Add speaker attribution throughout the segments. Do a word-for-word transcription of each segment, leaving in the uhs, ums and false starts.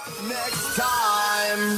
Speaker 1: next time.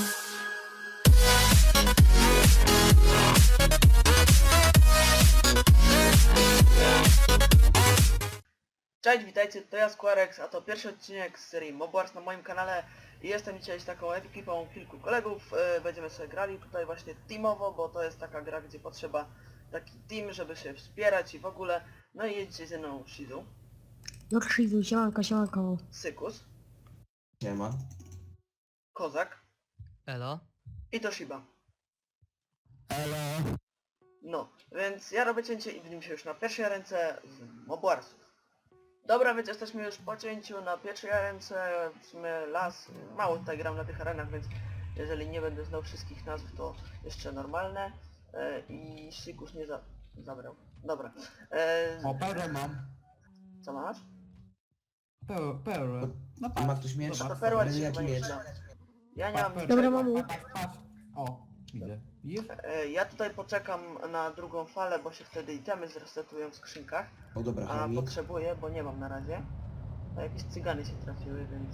Speaker 2: Cześć, witajcie, to ja Squarex, a to pierwszy odcinek z serii Mob Wars na moim kanale i jestem dzisiaj z taką ekipą kilku kolegów. Yy, będziemy sobie grali tutaj właśnie teamowo, bo to jest taka gra, gdzie potrzeba taki team, żeby się wspierać i w ogóle. No i jedziecie ze mną Shizu,
Speaker 3: No krzywy, siemanko, siemanko.
Speaker 2: Sykus,
Speaker 4: Siema.
Speaker 2: Kozak
Speaker 5: Elo?
Speaker 2: i Toshiba.
Speaker 4: Elo.
Speaker 2: No, więc ja robię cięcie i widzimy się już na pierwszej ręce z Mob Warsów. Dobra, więc jesteśmy już po cięciu na pierwszej ręce, w sumie las, mało tutaj gram na tych arenach, więc jeżeli nie będę znał wszystkich nazw, to jeszcze normalne. E, I Sikus nie za zabrał. Dobra. E,
Speaker 6: O, perłę mam.
Speaker 2: co masz?
Speaker 6: Perłę, perłę. No
Speaker 4: Ma
Speaker 6: patrz.
Speaker 4: ktoś miecz?
Speaker 2: To perła
Speaker 4: Będzie
Speaker 2: ci
Speaker 4: jaki
Speaker 2: chyba nie
Speaker 4: miecz?
Speaker 2: przyda. Ja nie
Speaker 6: Patrz,
Speaker 2: mam
Speaker 6: perłę.
Speaker 3: Dobra,
Speaker 2: niczego.
Speaker 3: mamu.
Speaker 6: Patrz, patrz. O, widzę. Widzisz?
Speaker 2: E, ja tutaj poczekam na drugą falę, bo się wtedy itemy zresetują w skrzynkach.
Speaker 4: O dobra,
Speaker 2: A
Speaker 4: chomik.
Speaker 2: potrzebuję, bo nie mam na razie. A jakieś cygany się trafiły, więc...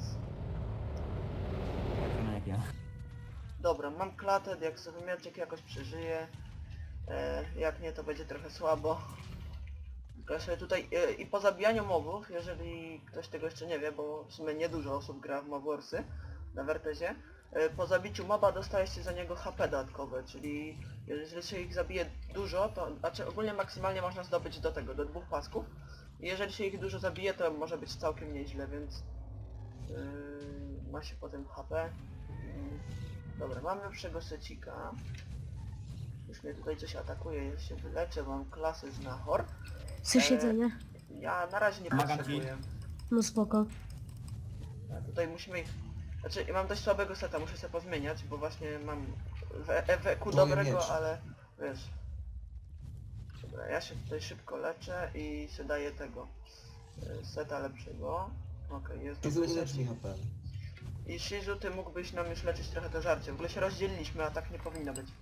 Speaker 6: Tak jak ja.
Speaker 2: Dobra, mam klatę, jak sobie mieczek jakoś przeżyję. E, jak nie, to będzie trochę słabo. Tylko sobie tutaj e, i po zabijaniu mobów, jeżeli ktoś tego jeszcze nie wie, bo w sumie niedużo osób gra w Mob Warsy na Wertezie, e, po zabiciu moba dostaje się za niego H P dodatkowe, czyli jeżeli się ich zabije dużo, to znaczy ogólnie maksymalnie można zdobyć do tego, do dwóch pasków. I jeżeli się ich dużo zabije, to może być całkiem nieźle, więc yy, ma się potem H P. Yy, dobra, mamy lepszego secika. Już mnie tutaj coś atakuje, ja się wyleczę, mam klasę znachor.
Speaker 3: Chcesz
Speaker 2: E,
Speaker 3: jedzenie?
Speaker 2: Ja na razie nie
Speaker 6: Pomagam
Speaker 2: potrzebuję.
Speaker 3: No spoko.
Speaker 2: A tutaj musimy ich... Znaczy, ja mam dość słabego seta, muszę sobie pozmieniać, bo właśnie mam w E Q
Speaker 4: Twoje
Speaker 2: dobrego,
Speaker 4: miecz.
Speaker 2: ale wiesz... Dobra, ja się tutaj szybko leczę i się daję tego y, seta lepszego. Okej, jest
Speaker 4: Ty
Speaker 2: dobry
Speaker 4: ulecz
Speaker 2: set.
Speaker 4: mi H P.
Speaker 2: I Shizu, ty mógłbyś nam już leczyć trochę to żarcie. W ogóle się rozdzieliliśmy, a tak nie powinno być.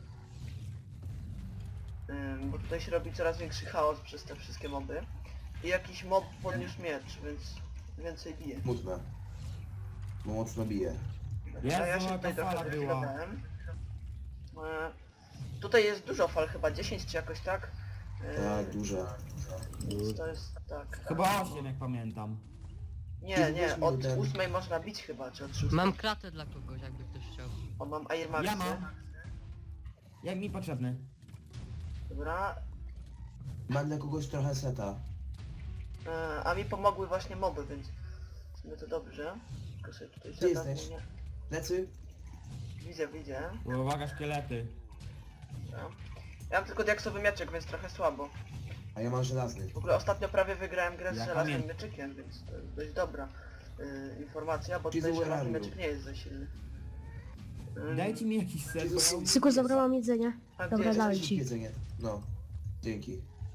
Speaker 2: Ym, bo tutaj się robi coraz większy chaos przez te wszystkie moby. I jakiś mob podniósł miecz, więc więcej bije.
Speaker 4: Smutne. Bo mocno bije.
Speaker 2: A ja
Speaker 6: Jezu,
Speaker 2: się tutaj
Speaker 6: jaka
Speaker 2: trochę
Speaker 6: fala
Speaker 2: chwilę
Speaker 6: była.
Speaker 2: dałem. E, tutaj jest dużo fal, chyba dziesięć czy jakoś tak. E,
Speaker 4: Tak, duże.
Speaker 2: Więc to jest tak.
Speaker 6: Chyba osiem, jak pamiętam.
Speaker 2: Nie,
Speaker 4: Ty
Speaker 2: nie,
Speaker 4: weź mi
Speaker 2: od
Speaker 4: ten-
Speaker 2: ósmej można bić chyba, czy od szóstej.
Speaker 5: Mam klatę dla kogoś, jakby ktoś chciał.
Speaker 2: O, mam Air Maxy.
Speaker 6: Ja mam. Jak mi potrzebny?
Speaker 2: Dobra.
Speaker 4: Mam dla kogoś trochę seta.
Speaker 2: E, a mi pomogły właśnie moby, więc w sumie to dobrze. Tylko sobie tutaj
Speaker 4: Gdzie
Speaker 2: zeta
Speaker 4: jesteś?
Speaker 2: zmienię.
Speaker 4: Lecy?
Speaker 2: Widzę, widzę.
Speaker 6: Uwaga, szkielety.
Speaker 2: Dobra. Ja mam tylko diaksowy mieczek, więc trochę słabo.
Speaker 4: A ja mam żelazny.
Speaker 2: W ogóle ostatnio prawie wygrałem grę z
Speaker 6: Ja
Speaker 2: żelaznym
Speaker 6: pamiętam.
Speaker 2: mieczykiem, więc to jest dość dobra y, informacja, bo
Speaker 4: Jezu,
Speaker 2: tutaj żelazny
Speaker 4: Rariu.
Speaker 2: mieczyk nie jest za silny. Ym,
Speaker 6: Dajcie mi jakiś set, bo
Speaker 4: Jezus.
Speaker 6: ja...
Speaker 3: Syku, zabrałam jedzenie.
Speaker 2: A gdzie
Speaker 3: Dobra,
Speaker 2: jest
Speaker 3: dałem
Speaker 4: Weź
Speaker 3: ci.
Speaker 4: jedzenie. No. Dzięki.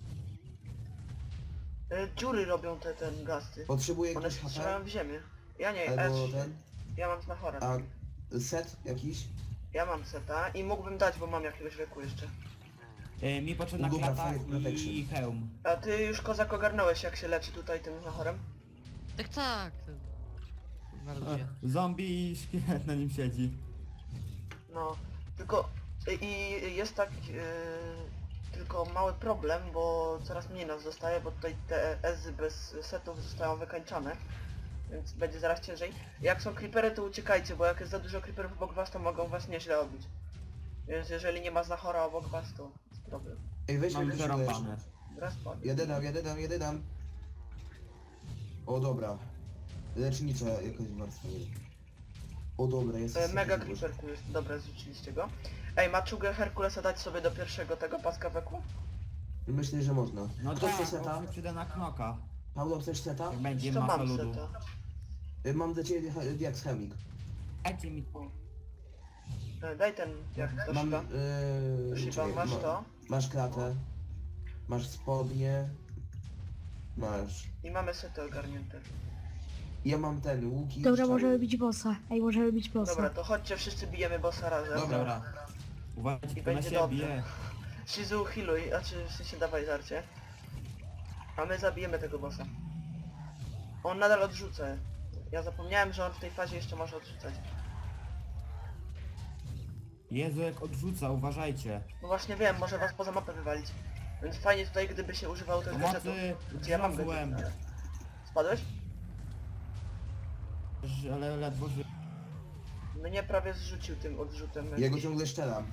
Speaker 2: y, dziury robią te ten gasty.
Speaker 4: Potrzebuję
Speaker 2: One
Speaker 4: jakiś
Speaker 2: się strzelają
Speaker 4: H
Speaker 2: w ziemię. Ja nie,
Speaker 4: P? Albo
Speaker 2: Edge,
Speaker 4: ten?
Speaker 2: ja mam znachora.
Speaker 4: A set jakiś?
Speaker 2: Ja mam seta i mógłbym dać, bo mam jakiegoś wieku jeszcze.
Speaker 6: E, mi potrzebna
Speaker 4: Dobra,
Speaker 6: klata
Speaker 4: fire protection.
Speaker 6: i hełm.
Speaker 2: A ty już kozak ogarnąłeś, jak się leczy tutaj tym znachorem?
Speaker 5: Tak, tak. Na ludzie.
Speaker 6: E, Zombie i szkielet na nim siedzi.
Speaker 2: No, tylko i i jest tak yy, tylko mały problem, bo coraz mniej nas zostaje, bo tutaj te ezy bez setów zostają wykańczane, więc będzie zaraz ciężej. Jak są creepery, to uciekajcie, bo jak jest za dużo creeperów obok was, to mogą was nieźle obić. Więc jeżeli nie ma znachora obok was, to jest problem.
Speaker 4: Ej, weź
Speaker 6: Mam
Speaker 4: mnie
Speaker 6: przerąbane.
Speaker 2: Raz padł.
Speaker 4: Jeden dam, jeden dam, jeden dam. O dobra. Lecznicza jakaś warstwa jest. O dobra, jest.
Speaker 2: E, Mega creeper tu jest, dobra, zrzuciliście go. Ej, maczugę Herkulesa dać sobie do pierwszego tego paska weku?
Speaker 4: Myślę, że można.
Speaker 6: No
Speaker 4: Kto
Speaker 6: tak,
Speaker 4: chce
Speaker 6: bo
Speaker 4: seta?
Speaker 6: się przyda na knoka.
Speaker 4: Paulo, chcesz seta?
Speaker 6: Jak będzie
Speaker 2: To
Speaker 6: masa
Speaker 2: mam
Speaker 6: ludu.
Speaker 2: seta.
Speaker 4: Y, Mam dla ciebie he- diaks chemik.
Speaker 6: Dajcie mi...
Speaker 2: E, daj ten, jak to
Speaker 4: Mam...
Speaker 2: szyba.
Speaker 4: Yy,
Speaker 2: Szyba,
Speaker 4: czekaj,
Speaker 2: masz
Speaker 4: ma-
Speaker 2: to?
Speaker 4: Masz klatę. Masz spodnie. Masz.
Speaker 2: I mamy sety ogarnięte.
Speaker 4: Ja mam ten, łuki.
Speaker 3: Dobra,
Speaker 4: strzały.
Speaker 3: możemy bić bossa. Ej, możemy bić
Speaker 2: Dobra,
Speaker 3: bossa.
Speaker 2: to chodźcie, wszyscy bijemy bossa razem.
Speaker 4: Dobra.
Speaker 6: Dobra. Uważajcie
Speaker 2: I
Speaker 6: tylko na
Speaker 2: będzie
Speaker 6: siebie.
Speaker 2: dobrze. Shizu, healuj, a czy w sensie dawaj żarcie. A my zabijemy tego bossa. On nadal odrzuca. Ja zapomniałem, że on w tej fazie jeszcze może odrzucać.
Speaker 6: Jezu, jak odrzuca, uważajcie.
Speaker 2: No właśnie wiem, może was poza mapę wywalić. Więc fajnie tutaj, gdyby się używało tych gadżetów.
Speaker 6: Pomocy,
Speaker 2: Znaczy, ja mam
Speaker 6: zlazłem.
Speaker 2: gadżety. Spadłeś?
Speaker 6: Ale ledwo ży...
Speaker 2: Mnie prawie zrzucił tym odrzutem.
Speaker 4: Ja go ciągle szczelam.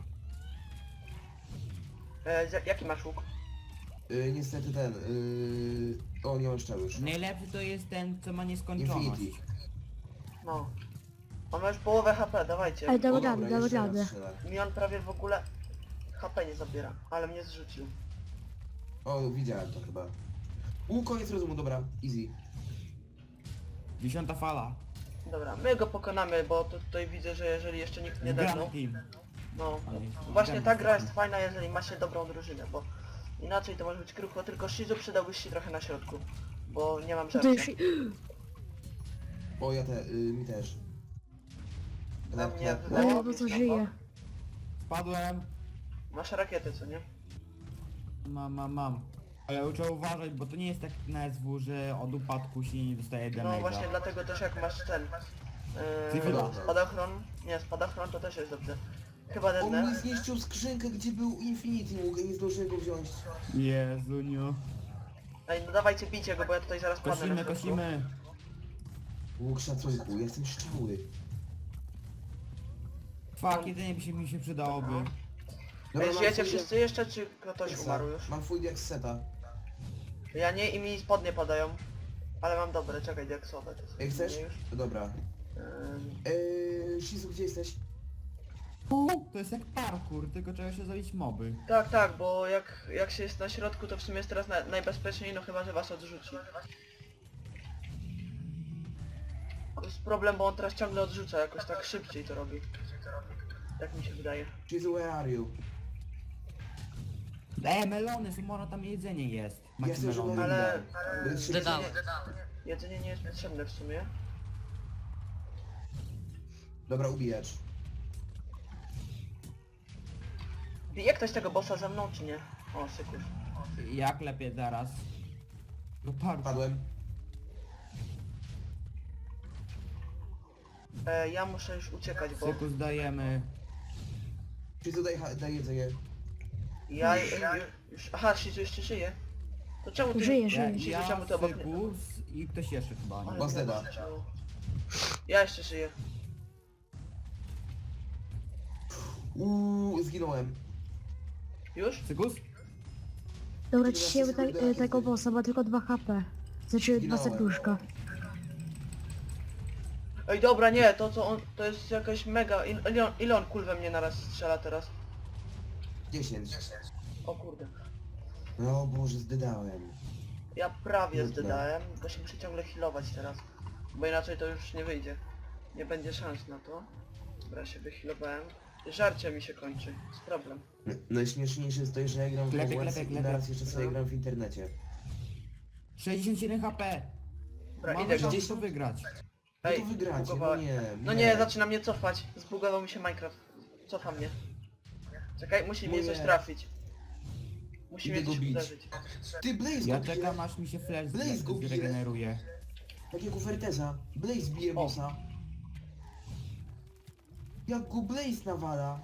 Speaker 2: E, z- jaki masz łuk?
Speaker 4: Yy, niestety ten, yy... O, nie mam szczelu już.
Speaker 6: Najlepszy to jest ten, co ma nieskończoność.
Speaker 4: Infinity.
Speaker 2: No. On ma już połowę H P, dawajcie.
Speaker 3: Ej, damy
Speaker 4: O,
Speaker 3: radę,
Speaker 4: dobra,
Speaker 3: damy
Speaker 4: jeszcze raz
Speaker 3: radę.
Speaker 4: strzelę.
Speaker 2: Mi on prawie w ogóle H P nie zabiera, ale mnie zrzucił.
Speaker 4: O, widziałem to chyba. U, koniec rozumu, dobra, easy.
Speaker 6: Dziesiąta fala.
Speaker 2: Dobra, my go pokonamy, bo to tutaj widzę, że jeżeli jeszcze nikt nie
Speaker 6: Gramy
Speaker 2: depnął,
Speaker 6: team.
Speaker 2: no.
Speaker 6: Ale
Speaker 2: Właśnie
Speaker 6: gramy
Speaker 2: ta gra
Speaker 6: team.
Speaker 2: jest fajna, jeżeli ma się dobrą drużynę, bo inaczej to może być krucho, tylko Shizu przydałbyś się trochę na środku, bo nie mam
Speaker 3: To
Speaker 2: żarcia.
Speaker 3: już...
Speaker 4: O, ja te, yy, mi też.
Speaker 2: Na
Speaker 4: Klep,
Speaker 2: mnie
Speaker 4: klep,
Speaker 3: O,
Speaker 2: wydaje
Speaker 4: klep.
Speaker 3: bo
Speaker 2: mi
Speaker 3: to
Speaker 2: się,
Speaker 3: żyje.
Speaker 6: Spadłem.
Speaker 2: Masz rakiety, co nie?
Speaker 6: Mam, mam, mam. Ale trzeba uważać, bo to nie jest tak na S W, że od upadku się nie dostaje
Speaker 2: No
Speaker 6: damage'a.
Speaker 2: właśnie dlatego też jak masz ten...
Speaker 6: Cywila.
Speaker 2: Yy, spadochron... Nie, spadochron to też jest dobrze. Chyba
Speaker 4: On
Speaker 2: dednę.
Speaker 4: mi zniszczył skrzynkę, gdzie był Infinity łuk i nie zdążyłem go wziąć.
Speaker 6: Jezuniu.
Speaker 2: Ej, no dawajcie, bijcie go, bo ja tutaj zaraz padnę na
Speaker 6: Kosimy,
Speaker 2: środku.
Speaker 6: kosimy.
Speaker 4: Łuk szacunku, ja jestem szczały.
Speaker 6: Fuck, jedynie by się mi się przydałoby.
Speaker 4: Dobra,
Speaker 2: Ej,
Speaker 4: mam
Speaker 2: żyjecie
Speaker 4: full
Speaker 2: wszyscy jeszcze, czy ktoś
Speaker 4: diaksa.
Speaker 2: umarł już?
Speaker 4: Mam full diak z seta.
Speaker 2: Ja nie i mi spodnie padają. Ale mam dobre, czekaj, diaksowe. To są
Speaker 4: Ej, chcesz?
Speaker 2: nie już.
Speaker 4: Dobra.
Speaker 2: Ym,
Speaker 4: Eee, Shizu, gdzie jesteś?
Speaker 6: Uuu, to jest jak parkour, tylko trzeba się zabić moby.
Speaker 2: tak, tak, bo jak, jak się jest na środku, to w sumie jest teraz na, najbezpieczniej, no chyba, że was odrzuci. To jest problem, bo on teraz ciągle odrzuca, jakoś tak szybciej to robi. Tak mi się wydaje.
Speaker 4: Shizu, where are you?
Speaker 6: Ej, melony, Sumora, tam jedzenie jest.
Speaker 4: Ja
Speaker 6: Macie
Speaker 4: chcę, żeby
Speaker 6: melony.
Speaker 4: on
Speaker 2: Ale-
Speaker 4: dał. Bo jest
Speaker 5: Dodałem.
Speaker 2: Jedzenie nie jest potrzebne w sumie.
Speaker 4: Dobra, ubijacz.
Speaker 2: Bije ktoś tego bossa ze mną, czy nie? O, sykusz.
Speaker 6: Jak lepiej zaraz. Do parku.
Speaker 4: Padłem.
Speaker 2: E, ja muszę już uciekać, bo
Speaker 6: Syku zdajemy.
Speaker 4: Shizu, daj, ha- daj jedzenie.
Speaker 2: ja ju- już... Aha, Shizu jeszcze żyje. To czemu ty...
Speaker 3: Żyje,
Speaker 6: Ja,
Speaker 3: żyje.
Speaker 2: Shizu,
Speaker 6: ja
Speaker 2: czemu ty obok mnie?
Speaker 6: Syku s- i ktoś jeszcze chyba.
Speaker 2: Ale
Speaker 6: Nie?
Speaker 4: Boss
Speaker 2: mnie
Speaker 4: Deda.
Speaker 2: odrzuciło. Ja jeszcze żyję.
Speaker 4: Uuu, zginąłem.
Speaker 2: Już?
Speaker 6: Sykus?
Speaker 3: Dobra, ciśniemy te, e, tego bossa, ma tylko dwa H P. Znaczy dwa
Speaker 4: Zginąłem.
Speaker 3: serduszka.
Speaker 2: Ej, dobra, nie, to co on... To jest jakaś mega... il- Ile on, ile on kul we mnie naraz strzela teraz?
Speaker 4: dziesięć.
Speaker 2: O kurde.
Speaker 4: No Boże, zdydałem.
Speaker 2: Ja prawie
Speaker 4: Kurde.
Speaker 2: zdydałem, tylko się muszę ciągle healować teraz. Bo inaczej to już nie wyjdzie. Nie będzie szans na to. Dobra, się wyhealowałem. Żarcie mi się kończy. Jest problem.
Speaker 4: No, najśmieszniejsze jest to, że ja gram w
Speaker 6: Klepie,
Speaker 4: Hogwarts
Speaker 6: klepie,
Speaker 4: i
Speaker 6: klepie.
Speaker 4: teraz jeszcze sobie
Speaker 2: No.
Speaker 4: gram w internecie.
Speaker 6: sześćdziesiąt jeden H P.
Speaker 2: Dobra,
Speaker 6: Mamy
Speaker 2: idę go.
Speaker 6: gdzieś to wygrać.
Speaker 4: No
Speaker 2: Ej,
Speaker 4: to wygracie, no
Speaker 2: zbugowałem.
Speaker 4: nie,
Speaker 2: No nie, zaczyna mnie cofać. Zbugował mi się Minecraft. Cofa mnie. Czekaj, musi mnie
Speaker 4: Moje-
Speaker 2: coś trafić. Musi
Speaker 4: Idę
Speaker 2: mnie
Speaker 4: go
Speaker 2: coś
Speaker 4: bić.
Speaker 2: uderzyć.
Speaker 4: Ty, Blaze
Speaker 6: Ja
Speaker 4: go bije,
Speaker 6: czekam aż mi się flash
Speaker 4: Blaze go bije.
Speaker 6: zregeneruje.
Speaker 4: tak jak u Ferteza. Blaze bije
Speaker 2: O.
Speaker 4: bossa. Jak go Blaze nawala.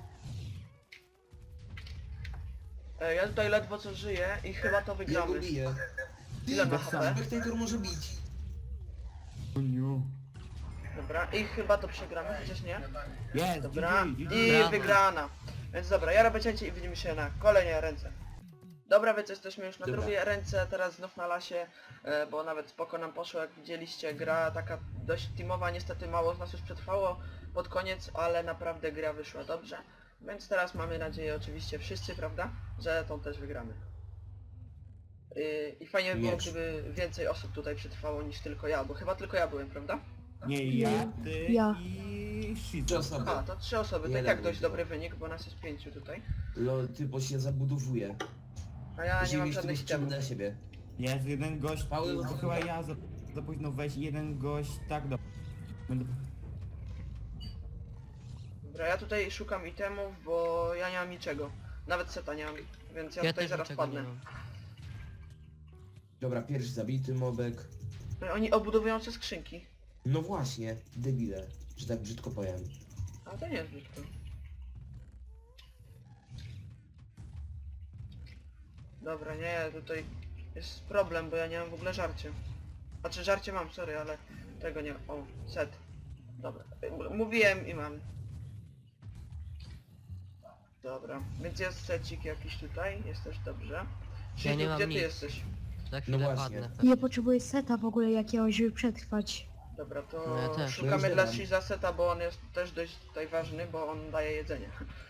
Speaker 2: Ej, ja tutaj ledwo co żyję i chyba to
Speaker 4: Ja go
Speaker 2: wygramy.
Speaker 4: biję. Ty,
Speaker 2: Ile ma H P?
Speaker 4: Spectator może bić.
Speaker 6: Uniu.
Speaker 2: Dobra, i chyba to przegramy, chociaż nie.
Speaker 6: Jest,
Speaker 2: Dobra,
Speaker 6: G G, G G.
Speaker 2: i
Speaker 5: Brawo.
Speaker 2: wygrana. Więc dobra, ja robię cięcie i widzimy się na kolejnej ręce. Dobra, więc jesteśmy już na
Speaker 4: Dobra.
Speaker 2: drugiej ręce, teraz znów na lasie, e, bo nawet spoko nam poszło, jak widzieliście, gra taka dość teamowa, niestety mało z nas już przetrwało pod koniec, ale naprawdę gra wyszła dobrze. Więc teraz mamy nadzieję oczywiście wszyscy, prawda, że tą też wygramy. I, i fajnie by było,
Speaker 4: Miecz.
Speaker 2: gdyby więcej osób tutaj przetrwało niż tylko ja, bo chyba tylko ja byłem, prawda?
Speaker 6: Nie, ja, ty
Speaker 3: Ja.
Speaker 6: i
Speaker 4: Trzy
Speaker 6: Shizu.
Speaker 4: osoby.
Speaker 2: A, to trzy osoby, to i
Speaker 4: Jeden
Speaker 2: tak dość
Speaker 4: był.
Speaker 2: dobry wynik, bo nas jest pięciu tutaj.
Speaker 4: Lol, typo się zabudowuje.
Speaker 2: A ja nie
Speaker 4: Musimy
Speaker 2: mam
Speaker 4: mieć tego
Speaker 2: żadnych
Speaker 4: strzału
Speaker 2: itemów.
Speaker 4: dla siebie.
Speaker 6: Jest jeden gość,
Speaker 4: Paweł,
Speaker 6: to
Speaker 4: no-
Speaker 6: chyba ja za, za późno wejść, jeden gość, tak do... Będę...
Speaker 2: Dobra, ja tutaj szukam itemów, bo ja nie mam niczego. Nawet seta nie mam, więc ja,
Speaker 5: Ja
Speaker 2: tutaj
Speaker 5: też
Speaker 2: zaraz
Speaker 5: niczego nie
Speaker 2: padnę.
Speaker 5: mam.
Speaker 4: Dobra, pierwszy zabity mobek.
Speaker 2: No, oni obudowują te skrzynki.
Speaker 4: No właśnie, debile, że tak brzydko powiem.
Speaker 2: A to nie jest brzydko. Dobra, nie, tutaj jest problem, bo ja nie mam w ogóle żarcia. Znaczy żarcie mam, sorry, ale tego nie... O, set. Dobra, M- mówiłem i mam. Dobra, więc jest secik jakiś tutaj, jest też dobrze. Krzysiu,
Speaker 5: nie mam
Speaker 2: gdzie ty
Speaker 5: nic.
Speaker 2: jesteś?
Speaker 5: Za chwilę
Speaker 4: No właśnie.
Speaker 5: padnę.
Speaker 3: Ja potrzebuję seta w ogóle jakiegoś, żeby przetrwać.
Speaker 2: Dobra, to
Speaker 5: No ja też.
Speaker 4: No już
Speaker 2: szukamy dla
Speaker 4: dodam.
Speaker 2: Shiza seta, bo on jest też dość tutaj ważny, bo on daje jedzenie.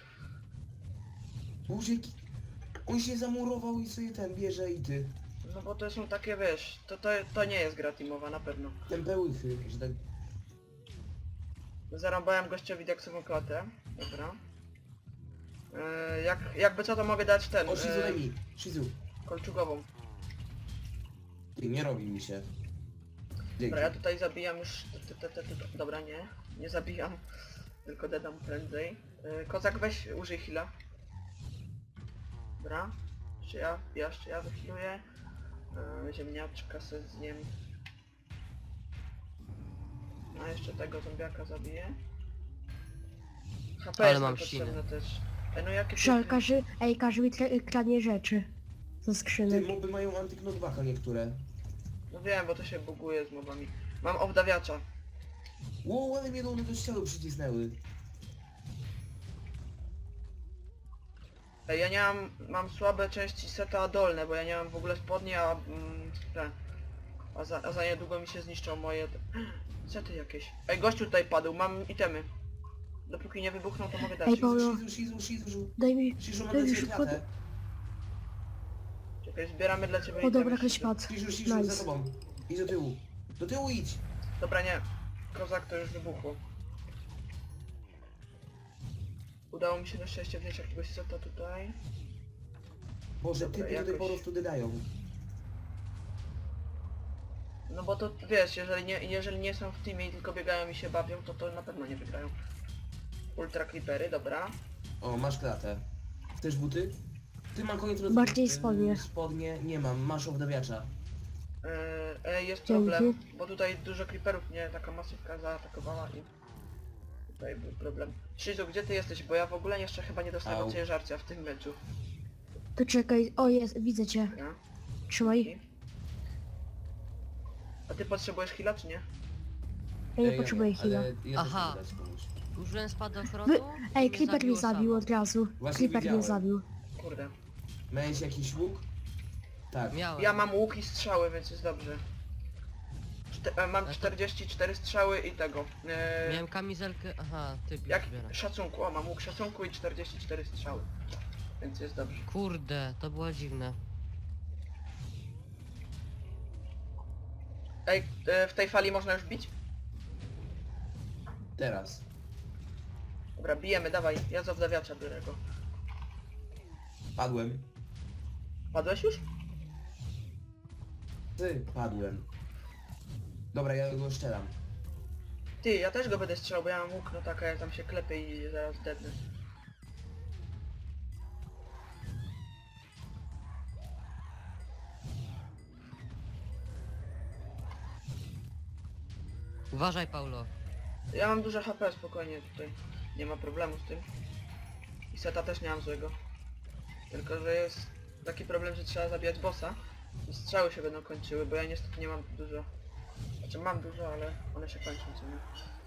Speaker 4: Boże, jaki... On się zamurował i sobie ten bierze i ty.
Speaker 2: No bo to są takie, wiesz, to, to, to nie jest gra teamowa, na pewno.
Speaker 4: Ten pełychy, że tak...
Speaker 2: Zarąbałem gościowi diaksową klatę. Dobra. Yy, jak, jakby co to mogę dać ten,
Speaker 4: O, Shizu, daj
Speaker 2: yy,
Speaker 4: mi! Shizu!
Speaker 2: kolczugową.
Speaker 4: Ty, nie robi mi się. Dzięki.
Speaker 2: Dobra, ja tutaj zabijam już... Te, te, te, te, te. Dobra, nie. Nie zabijam. Tylko dedam prędzej. Yy, kozak, weź, użyj heala. Dobra. Jeszcze ja, ja jeszcze ja wyhealuję. Yy, ziemniaczka se zjem. A jeszcze tego zombiaka zabiję. H P
Speaker 5: Ale
Speaker 2: jest
Speaker 5: mam
Speaker 2: nam potrzebne
Speaker 5: ślinę.
Speaker 2: też. Ej, no jakie
Speaker 3: Żal,
Speaker 2: piękne-
Speaker 3: każy, ej, każy mi tra- kradnie rzeczy. Ze
Speaker 4: Ty,
Speaker 3: skrzynek.
Speaker 4: moby mają antyknotbacka niektóre.
Speaker 2: No wiem, bo to się buguje z mobami. Mam obdawiacza.
Speaker 4: Ło, ale mnie one do ściany przycisnęły.
Speaker 2: Ej, ja nie mam... Mam słabe części seta dolne, bo ja nie mam w ogóle spodni, a... Mm, te. A za, a za niedługo mi się zniszczą moje... te- Sety jakieś. Ej, gościu tutaj padł, mam itemy. Dopóki nie wybuchną, to mogę dać.
Speaker 3: Ej, Paweł.
Speaker 4: Shizu, Shizu, Shizu, Shizu.
Speaker 3: Daj mi...
Speaker 4: Shizu, mam
Speaker 3: Daj
Speaker 4: dla
Speaker 3: mi
Speaker 4: ciebie
Speaker 3: szybko...
Speaker 4: klatę.
Speaker 2: Czekaj, zbieramy dla ciebie
Speaker 3: O
Speaker 2: itemy.
Speaker 3: dobra, ktoś padł.
Speaker 4: Shizu, Shizu, za
Speaker 3: Nice.
Speaker 4: tobą. Idź do tyłu. Do tyłu idź.
Speaker 2: Dobra, nie. Kozak to już wybuchło. Udało mi się na szczęście wziąć jakiegoś seta tutaj.
Speaker 4: Boże,
Speaker 2: Dobra,
Speaker 4: typy tutaj
Speaker 2: jakoś-
Speaker 4: po prostu dodają.
Speaker 2: No bo to wiesz, jeżeli nie, jeżeli nie są w teamie i tylko biegają i się bawią, to to na pewno nie wygrają. Ultra Creepery, dobra.
Speaker 4: O, masz klatę. Chcesz buty? Ty mam koniec roz...
Speaker 3: Bardziej
Speaker 4: yy,
Speaker 3: spodnie.
Speaker 4: Spodnie nie mam, masz obdawiacza.
Speaker 2: Yy, e, jest
Speaker 3: Dzięki.
Speaker 2: problem, bo tutaj dużo creeperów mnie taka masywka zaatakowała i tutaj był problem. Shizu, gdzie ty jesteś? Bo ja w ogóle jeszcze chyba nie dostałem
Speaker 4: Au.
Speaker 2: od ciebie żarcia w tym meczu.
Speaker 3: To czekaj, o jest, widzę cię.
Speaker 2: Ja?
Speaker 3: Trzymaj.
Speaker 2: A ty potrzebujesz heala czy nie?
Speaker 3: Ja nie
Speaker 4: Ej,
Speaker 3: potrzebuję
Speaker 4: ale
Speaker 3: heala.
Speaker 4: ja
Speaker 5: Aha.
Speaker 4: też mogę dać komuś.
Speaker 5: Użyłem spadochronu.
Speaker 3: Wy...
Speaker 5: i
Speaker 3: Ej,
Speaker 5: mnie
Speaker 3: Creeper mnie
Speaker 5: zabiło
Speaker 3: zabił
Speaker 5: samo.
Speaker 3: od razu.
Speaker 4: Właśnie
Speaker 3: Creeper mnie
Speaker 4: widziałem.
Speaker 3: zabił.
Speaker 2: Kurde.
Speaker 4: Miałeś jakiś łuk? Tak.
Speaker 5: Miałem.
Speaker 2: Ja mam łuk i strzały, więc jest dobrze. Czte e, mam
Speaker 5: Ale to-
Speaker 2: czterdzieści cztery strzały i tego. E,
Speaker 5: Miałem kamizelkę... Aha, ty
Speaker 2: jak
Speaker 5: zbierasz.
Speaker 2: szacunku, o mam łuk szacunku i czterdzieści cztery strzały. Więc jest dobrze.
Speaker 5: Kurde, to było dziwne.
Speaker 2: Ej, e, w tej fali można już bić?
Speaker 4: Teraz.
Speaker 2: Dobra, bijemy, dawaj, ja z obdawiacza biorę go.
Speaker 4: Padłem.
Speaker 2: Padłeś już?
Speaker 4: Ty, padłem. Dobra, ja go szczelam.
Speaker 2: Ty, ja też go będę strzelał, bo ja mam łuk, no tak, a ja tam się klepię i zaraz dednę.
Speaker 5: Uważaj, Paulo.
Speaker 2: Ja mam duże H P, spokojnie tutaj. Nie ma problemu z tym. I seta też nie mam złego. Tylko, że jest taki problem, że trzeba zabijać bossa. I strzały się będą kończyły, bo ja niestety nie mam dużo. Znaczy mam dużo, ale one się kończą, co nie?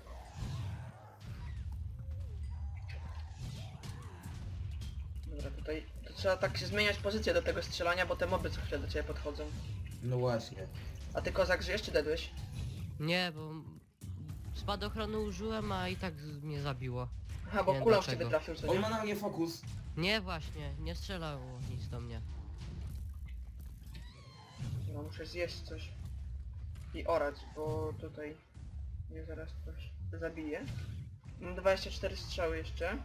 Speaker 2: Dobra, tutaj to trzeba tak się zmieniać pozycję do tego strzelania, bo te moby co chwilę do ciebie podchodzą.
Speaker 4: No właśnie.
Speaker 2: A ty kozak żyjesz czy dedłeś?
Speaker 5: Nie, bo... Spadochronu użyłem, a i tak z- mnie zabiło.
Speaker 2: Aha, bo
Speaker 5: Nie,
Speaker 2: kulą w
Speaker 5: dlaczego?
Speaker 2: ciebie trafił, co
Speaker 4: On
Speaker 2: nie?
Speaker 4: ma na mnie fokus.
Speaker 5: Nie, właśnie, nie strzelało nic do mnie.
Speaker 2: No muszę zjeść coś. I orać, bo tutaj mnie zaraz ktoś zabije. Mam dwadzieścia cztery strzały jeszcze.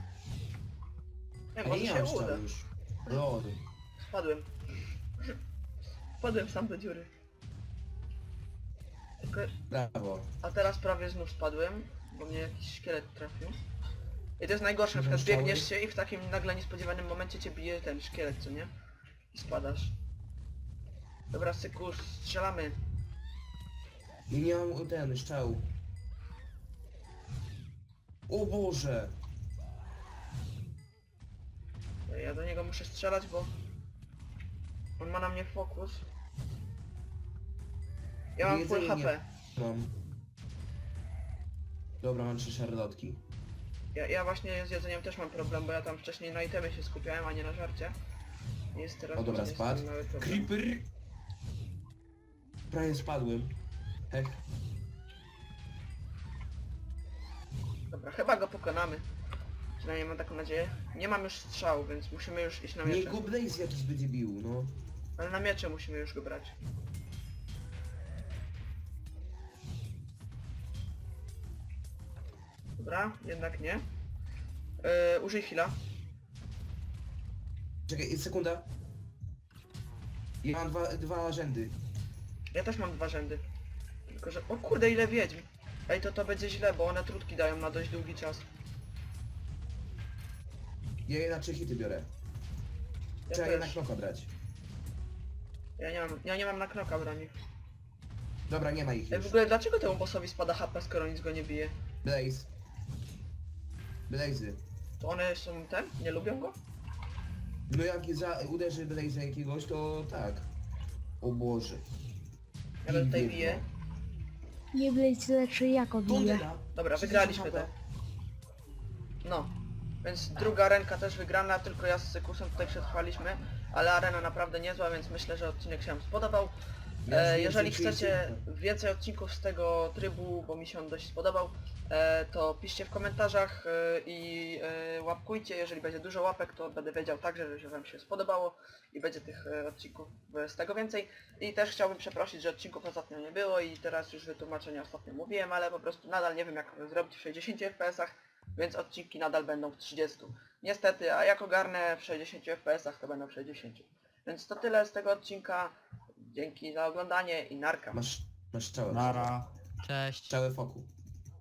Speaker 2: Nie,
Speaker 4: A
Speaker 2: może
Speaker 4: nie
Speaker 2: się
Speaker 4: mam
Speaker 2: uda.
Speaker 4: szczalu już. Lol.
Speaker 2: Spadłem. Spadłem sam do dziury. Tylko,
Speaker 4: Brawo.
Speaker 2: a teraz prawie znów spadłem, bo mnie jakiś szkielet trafił. I to jest najgorsze, na przykład
Speaker 4: Strzały?
Speaker 2: biegniesz się i w takim nagle niespodziewanym momencie cię bije ten szkielet, co nie? I spadasz. Dobra, syku, strzelamy.
Speaker 4: I nie mam ten szczał. O Boże!
Speaker 2: Ja do niego muszę strzelać, bo on ma na mnie fokus. Ja mam full
Speaker 4: Jedzenie
Speaker 2: H P.
Speaker 4: Mam. Dobra, mam trzy szarlotki.
Speaker 2: Ja, ja właśnie z jedzeniem też mam problem, bo ja tam wcześniej na itemy się skupiałem, a nie na żarcie. Jest teraz
Speaker 4: O dobra,
Speaker 2: właśnie z
Speaker 4: spadł.
Speaker 2: tym mały problem.
Speaker 4: Creeper! Prawie spadłem. Hech.
Speaker 2: Dobra, chyba go pokonamy. Przynajmniej mam taką nadzieję. Nie mam już strzału, więc musimy już iść na
Speaker 4: Niech
Speaker 2: miecze.
Speaker 4: go Blaze jakiś będzie bił, no.
Speaker 2: Ale na miecze musimy już go brać. Dobra, jednak nie. Yy, użyj heala.
Speaker 4: Czekaj, sekunda. Ja mam dwa, dwa rzędy.
Speaker 2: Ja też mam dwa rzędy. Tylko że... O kurde, ile wiedźm! Ej, to to będzie źle, bo one trutki dają na dość długi czas.
Speaker 4: Ja je na trzy hity biorę.
Speaker 2: Ja
Speaker 4: Trzeba je na
Speaker 2: też.
Speaker 4: knoka brać.
Speaker 2: Ja nie mam, ja nie mam na knoka broni.
Speaker 4: Dobra, nie ma ich
Speaker 2: Ej,
Speaker 4: już.
Speaker 2: w ogóle dlaczego temu bossowi spada H P, skoro nic go nie bije?
Speaker 4: Blaze. Blazy.
Speaker 2: To one są ten? Nie lubią go?
Speaker 4: No jak za, uderzy Blaze jakiegoś, to tak. O Boże.
Speaker 2: Ja go tutaj
Speaker 4: Wiedźmo.
Speaker 2: biję.
Speaker 3: Nie Blaze leczy jako bije.
Speaker 4: Tundera.
Speaker 2: Dobra,
Speaker 4: trzydzieści
Speaker 2: wygraliśmy
Speaker 4: H
Speaker 2: to.
Speaker 4: P.
Speaker 2: No. Więc druga arenka też wygrana, tylko ja z Sykusem tutaj przetrwaliśmy. Ale arena naprawdę niezła, więc myślę, że odcinek się Wam spodobał.
Speaker 4: Ja
Speaker 2: E,
Speaker 4: już
Speaker 2: jeżeli
Speaker 4: więcej
Speaker 2: chcecie
Speaker 4: czuję.
Speaker 2: więcej odcinków z tego trybu, bo mi się on dość spodobał, e, to piszcie w komentarzach e, i e, łapkujcie. Jeżeli będzie dużo łapek, to będę wiedział także, że Wam się spodobało i będzie tych e, odcinków e, z tego więcej. I też chciałbym przeprosić, że odcinków ostatnio nie było i teraz już wytłumaczenia ostatnio mówiłem, ale po prostu nadal nie wiem jak zrobić w sześćdziesięciu F P S-ach, więc odcinki nadal będą w trzydziestu. Niestety, a jak ogarnę w sześćdziesięciu F P S-ach, to będą w sześćdziesięciu. Więc to tyle z tego odcinka. Dzięki za oglądanie i narka.
Speaker 4: Masz, masz strzałę.
Speaker 6: Nara.
Speaker 5: Cześć.
Speaker 4: Strzałę foku.